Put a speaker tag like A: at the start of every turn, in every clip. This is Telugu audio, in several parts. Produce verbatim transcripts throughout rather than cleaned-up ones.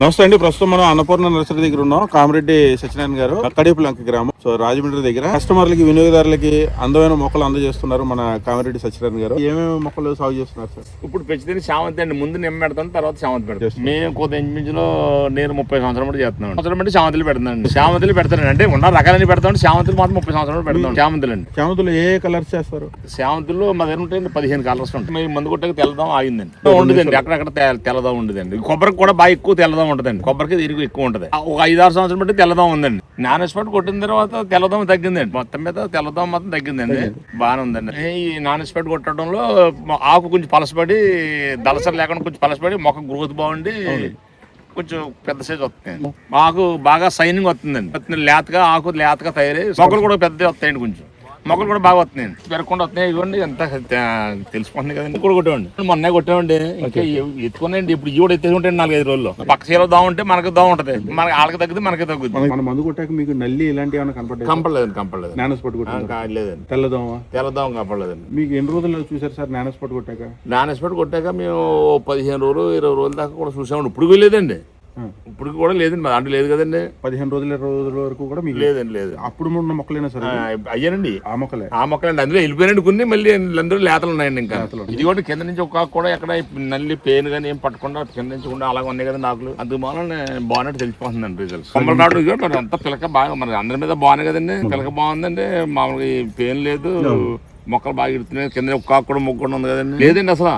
A: నమస్తే అండి. ప్రస్తుతం మనం అన్నపూర్ణ నర్సరీ దగ్గర ఉన్నాం. కామిరెడ్డి సత్యనారాయణ గారు, కడియపులంక గ్రామం, సో రాజమండ్రి దగ్గర. కస్టమర్లకి, వినియోగదారులకి అందమైన మొక్కలు అందజేస్తున్నారు మన కామిరెడ్డి సత్యనారాయణ గారు. ఏమేమి మొక్కలు సాగు చేస్తున్నారు సార్?
B: ఇప్పుడు పెంచితే శామంతి అండి. ముందు నిమ్మ పెడతాం, తర్వాత శామంతి పెడతాం. మేము కొద్ది ఇంచుమించులో నేను ముప్పై సంవత్సరం బట్టి చేస్తున్నాను. సంవత్సరం బట్టి శామంతులు పెడతానండి. శామంతులు పెడతాను అంటే ఉన్న రకాలని పెడతాం. శామంతులు మాత్రం ముప్పై సంవత్సరం పెడతాం. శామంతులు అండి.
A: శామంతులు ఏ కలర్స్ చేస్తారు?
B: శామంతులు మా దగ్గర ఉంటాయండి పదిహేను కలర్స్ ఉంటాయి. మేము మందు కొట్టక తెల్లదాం ఆగిందండి. ఉండదండి, అక్కడక్కడ తెల్లదాం ఉండదండి. కొబ్బరికి కూడా బాగా ఎక్కువ తెల్లదాం ఉంటదండి. కొబ్బరికి దీనికి ఎక్కువ ఉంటది. ఒక ఐదు ఆరు సంవత్సరం బట్టి తెల్లదాం ఉందండి. నాన్ స్పాట్ కొట్టిన తర్వాత తెల్లదోమ తగ్గిందండి. మొత్తం మీద తెల్లదోమ మాత్రం తగ్గిందండి. బాగానే ఉందండి. ఈ నాన్ స్పాట్ కొట్టడంలో ఆకు కొంచెం పలసపడి, దళసరి లేకుండా కొంచెం పలసపడి, మొక్క గ్రోత్ బాగుండి కొంచెం పెద్ద సైజ్ వస్తుంది. ఆకు బాగా సైనింగ్ వస్తుందండి. లేతగా ఆకు లేతగా తయారై మొక్కలు కూడా పెద్ద వస్తాయండి. కొంచెం మొక్కలు కూడా బాగా వస్తున్నాయండి. పెరగకుండా వస్తున్నాయి. ఇవ్వండి ఎంత తెలిసిపోతుంది కదండి. కూడా కొట్టామండి. మొన్నే కొట్టామండి. ఇంకా ఎత్తుకున్నాయండి. ఇప్పుడు ఈ కూడా ఎత్తేసుకుంటే నాలుగైదు రోజుల్లో పక్క చీలో దోమ ఉంటే మనకి దోమ ఉంటది. మనకి వాళ్ళకి తగ్గితే మనకి తగ్గుతుంది.
A: మన మందు కొట్టాక మీకు నల్లి ఇలాంటి ఏమైనా కనపడలేదు?
B: కంపలేదండి. కంపలేదు.
A: నానో స్పాట్ కొట్టాక
B: లేదండి.
A: తెల్లదోమ
B: తెల్లదోమ కంపలేదండి.
A: మీకు ఎన్ని రోజుల్లో చూసారు సార్ నానో స్పాట్ కొట్టాక?
B: నాన్ స్పాట్ కొట్టాక మేము పదిహేను రోజులు ఇరవై రోజుల దాకా కూడా చూసామండి. ఇప్పుడు లేదండి. ఇప్పుడు కూడా లేదండి. మా దాంట్లో లేదు కదండి.
A: పదిహేను రోజుల ఇరవై రోజుల వరకు కూడా మీకు
B: లేదండి. లేదు.
A: అప్పుడు ఉన్న మొక్కలైనా సరే
B: అయ్యానండి.
A: ఆ మొక్కలే
B: ఆ మొక్కలండి. అందులో వెళ్ళిపోయినండి కొన్ని. మళ్ళీ అందరూ లేతలు ఉన్నాయండి. ఇంకా ఇది కూడా కింద నుంచి ఒక కూడా ఎక్కడ నల్లి పేను కానీ ఏం పట్టకుండా కింద నుంచి కూడా అలాగే ఉన్నాయి కదా నాకులు. అందువల్ల బాగున్నట్టు తెలిసిపోతుందండి రిజల్ట్. కొమ్మల నాటు అంతా పిలక బాగా మరి అందరి మీద బాగున్నాయి కదండి. పిలక బాగుందండి. మామూలుగా పేను లేదు. మొక్కలు బాగా ఇడుతున్నాయి. కింద ఒక్క కూడా మొక్క కూడా ఉంది కదండి. లేదండి అసలు.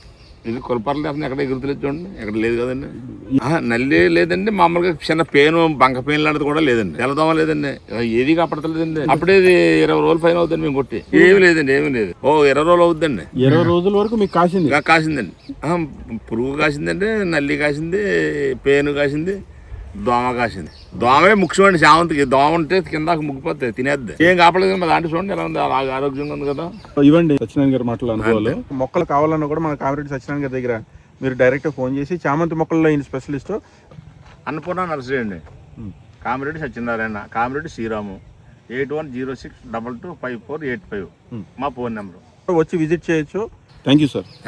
B: ఇది కొలపర్లు అసలు ఎక్కడ ఎగురుతులేదు చూడండి. ఎక్కడ లేదు కదండి. నల్లి లేదండి. మామూలుగా చిన్న పేను, బంక పేను లాంటిది కూడా లేదండి. తెల్లదోమ లేదండి. ఏది కాపాడతలేదండి. అప్పుడే ఇరవై రోజులు పైన అవుతుంది మేము కొట్టి. ఏమి లేదండి. ఏమి లేదు. ఓ ఇరవై రోజులు అవుతుందండి.
A: ఇరవై రోజుల వరకు మీకు కాసింది?
B: కాసిందండి. పురుగు కాసిందండి. నల్లి కాసింది. పేను కాసింది. దోమ కాసింది. దోమే ముఖ్యమండి. శామంతికి దోమ ఉంటే కింద ముగ్గిపోతాయి, తినేద్ది. ఏం కాపలేదు. మా దాంట్లో చూడండి ఎలా ఉంది. ఆరోగ్యంగా ఉంది కదా.
A: ఇవ్వండి సత్యనారాయణ గారు మాటలు అనుకోవాలి. మొక్కలు కావాలన్నా కూడా మన కామిరెడ్డి సత్యనారాయణ గారి దగ్గర మీరు డైరెక్ట్ ఫోన్ చేసి చామంతి మొక్కల్లో ఈయన స్పెషలిస్ట్
B: అన్నపూర్ణ నర్సరీ అండి. Kamireddy Satyanarayana, Kamireddy Sriramu. Eight one zero six double two five four eight five మా ఫోన్ నెంబర్.
A: వచ్చి విజిట్ చేయొచ్చు. Thank you sir.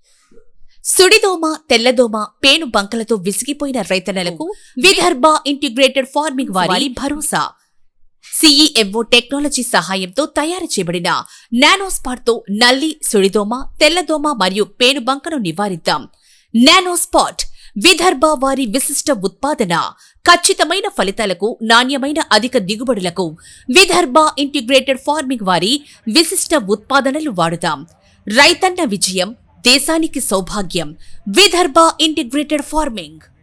C: సుడిదోమ, తెల్లదోమ, పేను బంకలతో విసిగిపోయిన రైతన్నలకు విదర్భ ఇంటిగ్రేటెడ్ ఫార్మింగ్ వారి భరోసా. సిఈఎంఓ టెక్నాలజీ సహాయంతో తయారు చేయబడిన నానోస్పాట్ తో నల్లి, సుడిదోమ, తెల్లదోమ మరియు పేను బంకను నివారిద్దాం. నానోస్పాట్ విదర్భ వారి విశిష్ట ఉత్పాదన. ఖచ్చితమైన ఫలితాలకు, నాణ్యమైన అధిక దిగుబడులకు విదర్భ ఇంటిగ్రేటెడ్ ఫార్మింగ్ వారి విశిష్ట ఉత్పాదనలు వాడుదాం. రైతన్న విజయం, దేశానికి సౌభాగ్యం. Vidarbha integrated farming.